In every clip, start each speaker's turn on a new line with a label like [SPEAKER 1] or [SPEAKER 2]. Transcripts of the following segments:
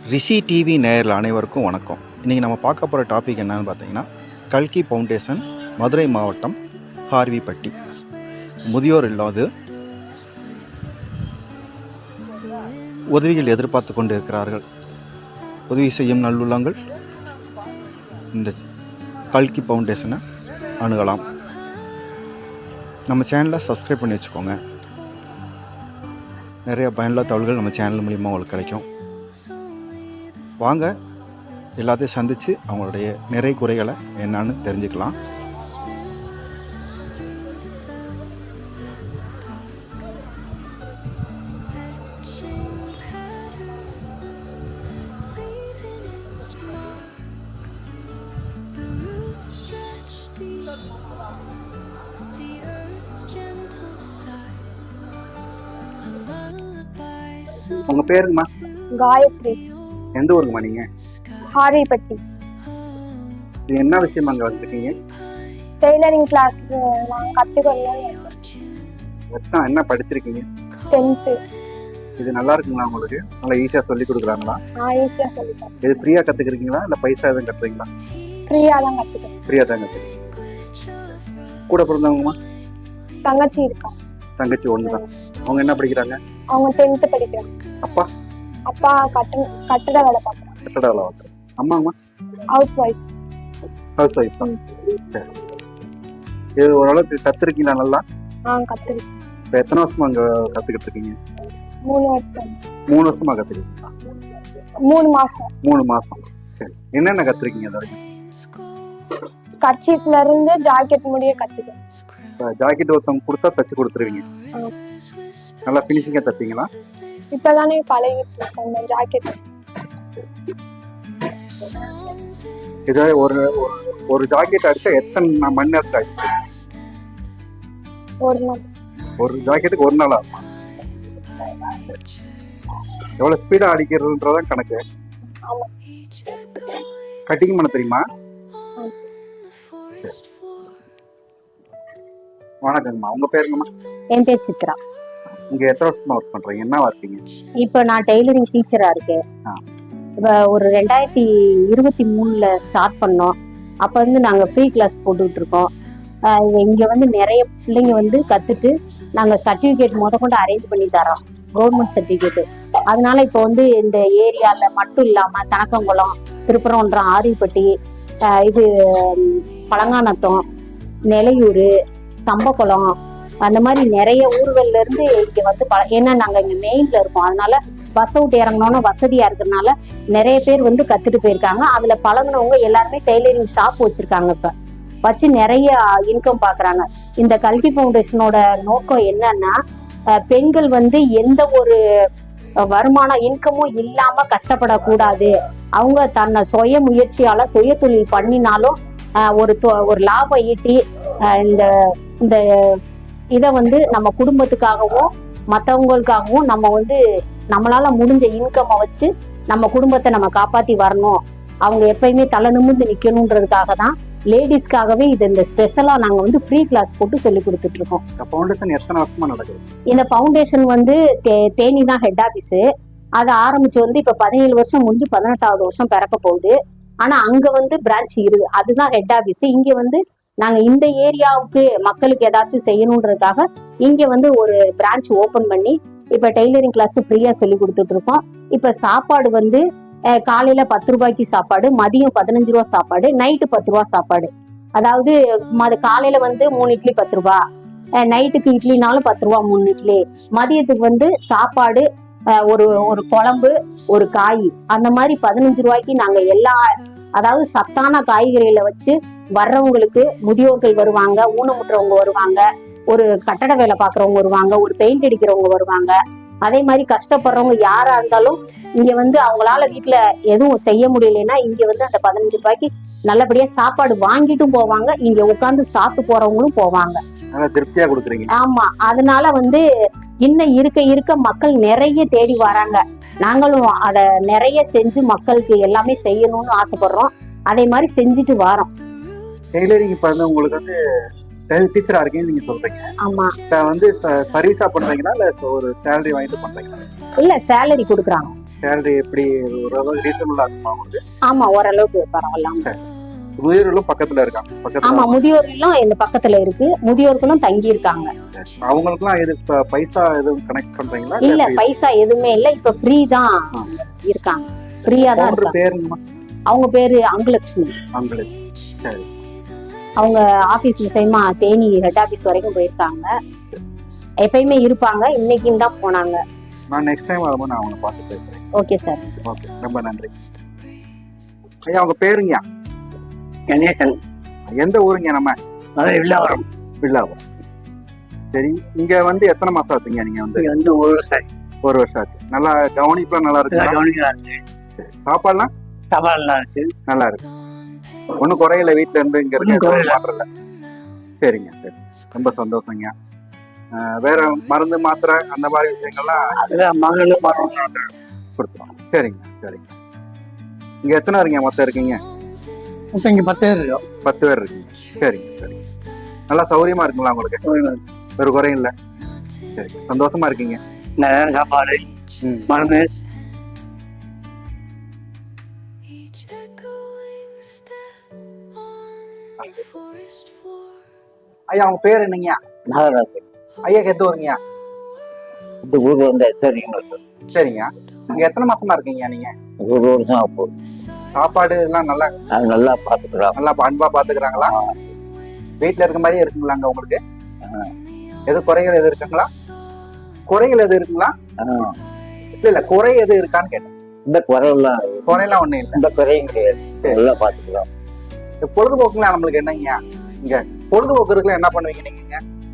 [SPEAKER 1] ரிஷி TV நேயர்கள் அனைவருக்கும் வணக்கம். இன்றைக்கி நம்ம பார்க்க போகிற டாபிக் என்னன்னு பார்த்தீங்கன்னா, கல்கி ஃபவுண்டேஷன், மதுரை மாவட்டம், ஹார்விப்பட்டி. முதியோர் இல்லாது உதவிகள் எதிர்பார்த்து கொண்டு இருக்கிறார்கள். உதவி செய்யும் நல்லுள்ளங்கள் இந்த கல்கி ஃபவுண்டேஷனை அணுகலாம். நம்ம சேனலை சப்ஸ்கிரைப் பண்ணி வச்சுக்கோங்க. நிறைய பயனுள்ள தகவல்கள் நம்ம சேனல் மூலிமா உங்களுக்கு கிடைக்கும். வாங்க எல்லாத்தையும் சந்தித்து அவங்களுடைய நிறை குறைகளை என்னன்னு தெரிஞ்சுக்கலாம். உங்க பேருங்கம்மா?
[SPEAKER 2] காயத்ரி.
[SPEAKER 1] எந்த ஊருங்கம்மா நீங்க?
[SPEAKER 2] ஹார்விப்பட்டி.
[SPEAKER 1] இது என்ன விஷயமா அங்கே வந்துருக்கீங்க?
[SPEAKER 2] டெய்லரிங் கிளாஸ் நான் கற்றுக்கணும்.
[SPEAKER 1] என்ன படிச்சிருக்கீங்க?
[SPEAKER 2] 10th.
[SPEAKER 1] இது நல்லா இருக்குங்களா உங்களுக்கு? நல்லா ஈஸியாக சொல்லி கொடுக்குறாங்களா?
[SPEAKER 2] ஈஸியாக சொல்லிட்டேன்.
[SPEAKER 1] இது ஃப்ரீயாக கற்றுக்குறீங்களா இல்லை பைசா எதுவும் கட்டுறீங்களா?
[SPEAKER 2] ஃப்ரீயாக தான் கற்றுக்கிறேன்.
[SPEAKER 1] ஃப்ரீயாக தான் கற்றுக்கிறீங்க. கூட பிறந்தவங்கம்மா?
[SPEAKER 2] தங்கச்சி இருக்கா.
[SPEAKER 1] தங்கச்சி ஒன்று தான். அவங்க என்ன படிக்கிறாங்க?
[SPEAKER 2] அவங்க 10th படிக்கிறாங்க.
[SPEAKER 1] அப்பா?
[SPEAKER 2] அப்பா கட்டட வேலை பார்க்குறாங்க.
[SPEAKER 1] கட்டட வேலை பார்க்குறேன். அம்மாங்கம்மா?
[SPEAKER 2] House wife.
[SPEAKER 1] ஹவுஸ் ஒய்ஃப் தான். சரி. இது ஓரளவுக்கு கற்றுருக்கீங்களா நல்லா?
[SPEAKER 2] கற்றுருக்கேன்.
[SPEAKER 1] இப்போ எத்தனை வருஷமா அங்கே கற்றுக்கிட்டு இருக்கீங்க?
[SPEAKER 2] 3 வருஷம்.
[SPEAKER 1] 3 வருஷமா கற்றுக்கிட்டீங்களா?
[SPEAKER 2] 3 மாதம்.
[SPEAKER 1] 3 மாதம். சரி. என்னென்ன கற்றுருக்கீங்க அது வரைக்கும்?
[SPEAKER 2] கர்ச்சீஃப்ல இருந்து ஜாக்கெட் முடிய கற்றுக்கேன்.
[SPEAKER 1] ஜாக்கெட் ஒருத்தவங்க கொடுத்தா தச்சு கொடுத்துருவீங்க? நல்லா ஃபினிஷிங்காக தைப்பீங்களா?
[SPEAKER 2] இப்போதானே பழகிட்டு இருக்கேன் ஜாக்கெட்.
[SPEAKER 1] இதை ஒரு ஜாக்கெட் அடிச்சா எத்தனை மணி நேரத்தில் அடிச்சு?
[SPEAKER 2] ஒரு நாள்.
[SPEAKER 1] ஒரு ஜாக்கெட்டுக்கு ஒரு நாள் ஆகுமா? சரி. எவ்வளோ ஸ்பீடாக அடிக்கிறதுன்றதான் கணக்கு.
[SPEAKER 2] ஆமாம்.
[SPEAKER 1] கட்டிங் பண்ண தெரியுமா? சரி. வணக்கங்கம்மா. உங்க பேருங்கம்மா?
[SPEAKER 3] என் பேர் சித்ரா.
[SPEAKER 1] இங்க எத்தனை வருஷமா ஒர்க் பண்றீங்க? என்ன இருக்கீங்க?
[SPEAKER 3] இப்போ நான் டெய்லரிங் டீச்சரா இருக்கேன். இப்போ ஒரு 2023 ஸ்டார்ட் பண்ணோம். அப்போ வந்து நாங்கள் ஃப்ரீ கிளாஸ் போட்டுக்கிட்டு இருக்கோம். இங்கே வந்து நிறைய பிள்ளைங்க வந்து கற்றுட்டு நாங்கள் சர்டிஃபிகேட் கொண்டு அரேஞ்ச் பண்ணி தரோம், கவர்மெண்ட் சர்டிஃபிகேட்டு. அதனால இப்போ வந்து இந்த ஏரியாவில் மட்டும் இல்லாமல் தனக்கங்குளம், திருப்பரங்குன்றம், ஆரிப்பட்டி, இது பழங்கானத்தம், நெலையூர், சம்பக்குளம், அந்த மாதிரி நிறைய ஊர்கள்ல இருந்து இங்க வந்து ஏன்னா நாங்க இங்க மெயின்ல இருக்கோம். அதனால பஸ் விட்டு இறங்கணும்னு வசதியா இருக்கிறதுனால நிறைய பேர் வந்து கத்துட்டு போயிருக்காங்க. அதுல பழகினவங்க எல்லாருமே டெய்லரிங் ஷாப் வச்சிருக்காங்க. இப்ப வச்சு நிறைய இன்கம் பாக்குறாங்க. இந்த கல்கி ஃபவுண்டேஷனோட நோக்கம் என்னன்னா, பெண்கள் வந்து எந்த ஒரு வருமான இன்கமும் இல்லாம கஷ்டப்படக்கூடாது. அவங்க தன்னை சுய முயற்சியால சுய தொழில் பண்ணினாலும் ஒரு லாபம் ஈட்டி இந்த இதை வந்து நம்ம குடும்பத்துக்காகவும் மற்றவங்களுக்காகவும் நம்ம வந்து நம்மளால முடிஞ்ச இன்கம்மை வச்சு நம்ம குடும்பத்தை நம்ம காப்பாற்றி வரணும். அவங்க எப்பயுமே தலை நிமிர்ந்து நிற்கணுன்றதுக்காக தான் லேடிஸ்க்காகவே இந்த ஸ்பெஷலாக நாங்கள் வந்து ஃப்ரீ கிளாஸ் போட்டு சொல்லி கொடுத்துட்டு இருக்கோம்.
[SPEAKER 1] ஃபவுண்டேஷன் எத்தனை வருஷமா நடக்குது?
[SPEAKER 3] இந்த ஃபவுண்டேஷன் வந்து தேனி தான் ஹெட் ஆஃபீஸு. அதை ஆரம்பிச்சு வந்து இப்போ 17 வருஷம் முடிஞ்சு 18வது வருஷம் பிறக்க போகுது. ஆனால் அங்கே வந்து பிரான்ச் இருக்கு, அதுதான் ஹெட் ஆஃபீஸு. இங்கே வந்து நாங்கள் இந்த ஏரியாவுக்கு மக்களுக்கு ஏதாச்சும் செய்யணுன்றதுக்காக இங்கே வந்து ஒரு பிரான்ச் ஓப்பன் பண்ணி இப்போ டெய்லரிங் கிளாஸ் ஃப்ரீயாக சொல்லி கொடுத்துட்டு இருக்கோம். இப்போ சாப்பாடு வந்து காலையில் 10 ரூபாய்க்கு சாப்பாடு, மதியம் 15 ரூபா சாப்பாடு, நைட்டு 10 ரூபா சாப்பாடு. அதாவது காலையில் வந்து 3 இட்லி 10 ரூபா, நைட்டுக்கு இட்லினாலும் 10 ரூபா 3 இட்லி, மதியத்துக்கு வந்து சாப்பாடு, ஒரு குழம்பு, ஒரு காய், அந்த மாதிரி 15 ரூபாய்க்கு நாங்கள் அதாவது சத்தான காய்கறிகளை வச்சு வர்றவங்களுக்கு, முதியோர்கள் வருவாங்க, ஊனமுற்றவங்க வருவாங்க, ஒரு கட்டட வேலை பார்க்குறவங்க வருவாங்க, ஒரு பெயிண்ட் அடிக்கிறவங்க வருவாங்க. அதே மாதிரி கஷ்டப்படுறவங்க யாரா இருந்தாலும் இங்க வந்து அவங்களால வீட்டுல எதுவும் செய்ய முடியலன்னா இங்க வந்து அந்த 15 ரூபாய்க்கு நல்லபடியா சாப்பாடு வாங்கிட்டும் போவாங்க. இங்க உட்கார்ந்து சாப்பிட்டு போறவங்களும் போவாங்க.
[SPEAKER 1] திருப்தியா கொடுக்குறீங்க.
[SPEAKER 3] ஆமா. அதனால வந்து இன்னும் இருக்க இருக்க மக்கள் நிறைய தேடி வராங்க. நாங்களும் அதை நிறைய செஞ்சு மக்களுக்கு எல்லாமே செய்யணும்னு ஆசைப்படுறோம். அதே மாதிரி செஞ்சுட்டு வரோம்.
[SPEAKER 1] டெய்லரிங் இப்ப வந்து உங்களுக்கு வந்து டீச்சரா இருக்கீங்கன்னு நீங்க சொல்றீங்க.
[SPEAKER 3] ஆமா.
[SPEAKER 1] இப்ப வந்து சர்வீஸா பண்றீங்களா இல்ல ஒரு சேலரி வாங்கிட்டு பண்றீங்களா?
[SPEAKER 3] இல்ல சேலரி கொடுக்குறாங்க.
[SPEAKER 1] சேலரி எப்படி ஓரளவு ரீசனபிளா இருக்குமா உங்களுக்கு?
[SPEAKER 3] ஆமா, ஓரளவுக்கு பரவாயில்ல.
[SPEAKER 1] சரி. முதியோர்களும் பக்கத்துல இருக்காங்க.
[SPEAKER 3] ஆமா, முதியோர்களும் இந்த பக்கத்துல இருக்கு. முதியோர்களும் தங்கி இருக்காங்க.
[SPEAKER 1] அவங்களுக்குலாம் இது பைசா எதுவும் கனெக்ட் பண்றீங்களா?
[SPEAKER 3] இல்ல, பைசா எதுவுமே இல்ல. இப்ப ஃப்ரீ தான் இருக்காங்க. ஃப்ரீயா தான் இருக்காங்க.
[SPEAKER 1] பேருங்கம்மா?
[SPEAKER 3] அவங்க பேரு அங்குலட்சுமி.
[SPEAKER 1] அங்குலட்சுமி. சரி.
[SPEAKER 3] அவங்க ஆபீஸ் விஷயமா தேனி ஹெட் ஆபீஸ் வரைக்கும் போயிருக்காங்க. எப்பயுமே இருப்பாங்க. இன்னைக்கு தான் போனாங்க.
[SPEAKER 1] நான் நெக்ஸ்ட் டைம் வரும்போது நான் அவங்களை பார்த்து பேசுறேன்.
[SPEAKER 3] Okay sir.
[SPEAKER 1] ஓகே, ரொம்ப நன்றி. ஐயா உங்க பேருங்கய்யா?
[SPEAKER 4] கணேசன்.
[SPEAKER 1] எந்த ஊருங்க? நம்ம
[SPEAKER 4] வில்லாவரம்.
[SPEAKER 1] வில்லாவரம். சரி, இங்க வந்து எத்தனை மாசம் ஆச்சுங்க நீங்க வந்து?
[SPEAKER 4] இங்க வந்து 1 வருஷம் ஆச்சு.
[SPEAKER 1] 1 வருஷம் ஆச்சு. நல்லா கவனிப்புலாம் நல்லா இருக்கு.
[SPEAKER 4] கவனிக்கலாம் இருக்கு.
[SPEAKER 1] சரி, சாப்பாடுலாம்
[SPEAKER 4] சாப்பாடு நல்லா இருக்கு.
[SPEAKER 1] நல்லா இருக்கு. ஒன்றும் குறையில வீட்டுல இருந்து இங்க இருக்க மாத்திரல. சரிங்க, சரி, ரொம்ப சந்தோஷங்க. வேற மருந்து மாத்திரை அந்த மாதிரி விஷயங்கள்லாம்
[SPEAKER 4] அதுதான் மகளும் மரம்
[SPEAKER 1] கொடுத்துருவோம். சரிங்க, சரிங்க. இங்க எத்தனை இருக்கீங்க மொத்தம் இருக்கீங்க?
[SPEAKER 4] இப்போ இங்க 10 பேர் இருக்கோம்.
[SPEAKER 1] 10 பேர் இருக்கீங்க. சரிங்க, சரிங்க. நல்லா சௌகரியமா இருக்குங்களா உங்களுக்கு? ஒரு குறையும் இல்லை. சரி, சந்தோஷமா இருக்கீங்க.
[SPEAKER 4] நல்ல சாப்பாடு, மருந்து.
[SPEAKER 1] ஐயா அவங்க பேர் என்னங்க?
[SPEAKER 4] நாகராஜ்.
[SPEAKER 1] ஐயாக்கு எந்த ஊருங்க?
[SPEAKER 4] இந்த ஊர் வந்து சரிங்க.
[SPEAKER 1] சரிங்க. இங்க எத்தனை மாசமா இருக்கீங்க நீங்க?
[SPEAKER 4] 1 வருஷம் ஆகும்.
[SPEAKER 1] சாப்பாடு எல்லாம் நல்லா
[SPEAKER 4] நல்லா பாத்துக்கிறோம்.
[SPEAKER 1] நல்லா அன்பா பாத்துக்கிறாங்களா? வீட்டுல இருக்க மாதிரியே இருக்குங்களாங்க உங்களுக்கு? எது குறைகள் எது இருக்குங்களா? குறைகள் எது இருக்குங்களா? இல்ல குறை எது இருக்கான்னு கேட்டேன்.
[SPEAKER 4] இந்த குறையெல்லாம்
[SPEAKER 1] குறையெல்லாம் ஒண்ணும் இல்லை.
[SPEAKER 4] இந்த குறையும் கிடையாது. நல்லா பாத்துக்கிறோம்.
[SPEAKER 1] பொழுதுபோக்குலாம் நம்மளுக்கு என்னங்க? இங்க பொழுதுபோக்கு இருக்குல்ல, என்ன பண்ணுவீங்க நீங்க?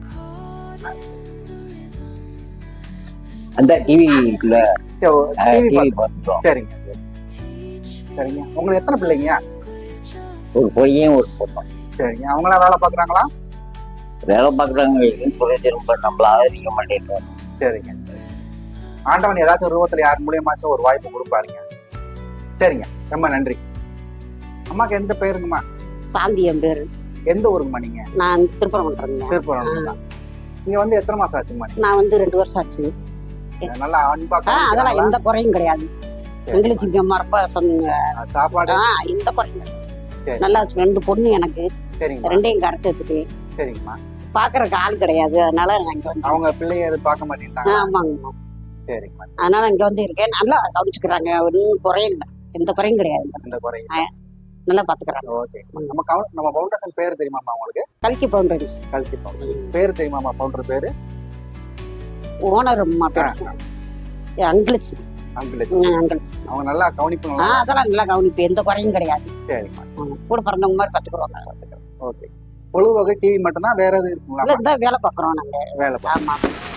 [SPEAKER 4] அந்த டிவிக்குள்ள
[SPEAKER 1] டிவி
[SPEAKER 4] பார்த்துக்கிறோம்.
[SPEAKER 1] சரிங்க, சரிங்க. உங்களுக்கு எத்தனை பிள்ளைங்க?
[SPEAKER 4] ஒரு பையன் ஒரு பொண்ணு.
[SPEAKER 1] சரிங்க. அவங்களாம் வேலை பாக்குறாங்களா?
[SPEAKER 4] வேலை பாக்குறாங்க. திரும்ப நம்மள ஆதரிக்க மாட்டேன்.
[SPEAKER 1] சரிங்க. ஆண்டவன் ஏதாச்சும் ஒரு ரூபத்துல யார் மூலியமாச்சும் ஒரு வாய்ப்பு கொடுப்பாருங்க. சரிங்க, ரொம்ப நன்றி. அம்மாக்கு எந்த பேருங்கம்மா?
[SPEAKER 3] சாந்தி என் பேரு.
[SPEAKER 1] எந்த ஊருங்கம்மா நீங்க?
[SPEAKER 3] நான் திருப்பரங்குன்றேன்.
[SPEAKER 1] திருப்பரங்குன்றம். இங்க வந்து எத்தனை மாசம் ஆச்சுங்கம்மா?
[SPEAKER 3] நான் வந்து 2 வருஷம் ஆச்சு.
[SPEAKER 1] நல்லா அன்பா
[SPEAKER 3] அதெல்லாம் எந்த குறையும் கிடையாது. எங்களுக்கு இங்க மரப்பா சொன்னீங்க.
[SPEAKER 1] சாப்பாடு
[SPEAKER 3] எந்த குறையும் கிடையாது. நல்லா 2 பொண்ணு எனக்கு.
[SPEAKER 1] சரிங்க.
[SPEAKER 3] 2ஐயும் கடத்து எடுத்துட்டு.
[SPEAKER 1] சரிங்கம்மா.
[SPEAKER 3] பாக்குறதுக்கு ஆள் கிடையாது. அதனால நான் இங்க வந்து
[SPEAKER 1] அவங்க பிள்ளைய எது பார்க்க மாட்டேங்கிறாங்க?
[SPEAKER 3] ஆமாங்கம்மா.
[SPEAKER 1] சரிங்கம்மா.
[SPEAKER 3] அதனால இங்க வந்து இருக்கேன். நல்லா கவனிச்சுக்கிறாங்க. ஒன்றும் குறையும் இல்லை. எந்த குறையும் கிடையாது.
[SPEAKER 1] இந்த குறையும்
[SPEAKER 3] நல்லா பாத்துக்கிறாங்க.
[SPEAKER 1] ஓகே. நம்ம ஃபவுண்டேஷன் பேர் தெரியுமாம்மா உங்களுக்கு?
[SPEAKER 3] கல்கி பவுண்டரி.
[SPEAKER 1] கல்கி ஃபவுண்டேஷன் பேர் தெரியுமாம்மா? ஃபவுண்டர் பேரு?
[SPEAKER 3] ஓனர் அம்மா பேர் அங்குலட்சுமி.
[SPEAKER 1] அங்குலட்சுமி. அவங்க நல்லா கவனிப்பு.
[SPEAKER 3] அதெல்லாம் நல்லா கவனிப்பு. எந்த குறையும் கிடையாது.
[SPEAKER 1] சரிம்மா.
[SPEAKER 3] கூட பிறந்தவங்க மாதிரி பாத்துக்கிறோம்.
[SPEAKER 1] ஓகே. பொழுதுபோக்கு டிவி மட்டும்தான், வேற எதுவும் இருக்குங்களா?
[SPEAKER 3] வேலை பாக்குறோம் நாங்க.
[SPEAKER 1] வேலை.
[SPEAKER 3] ஆமா.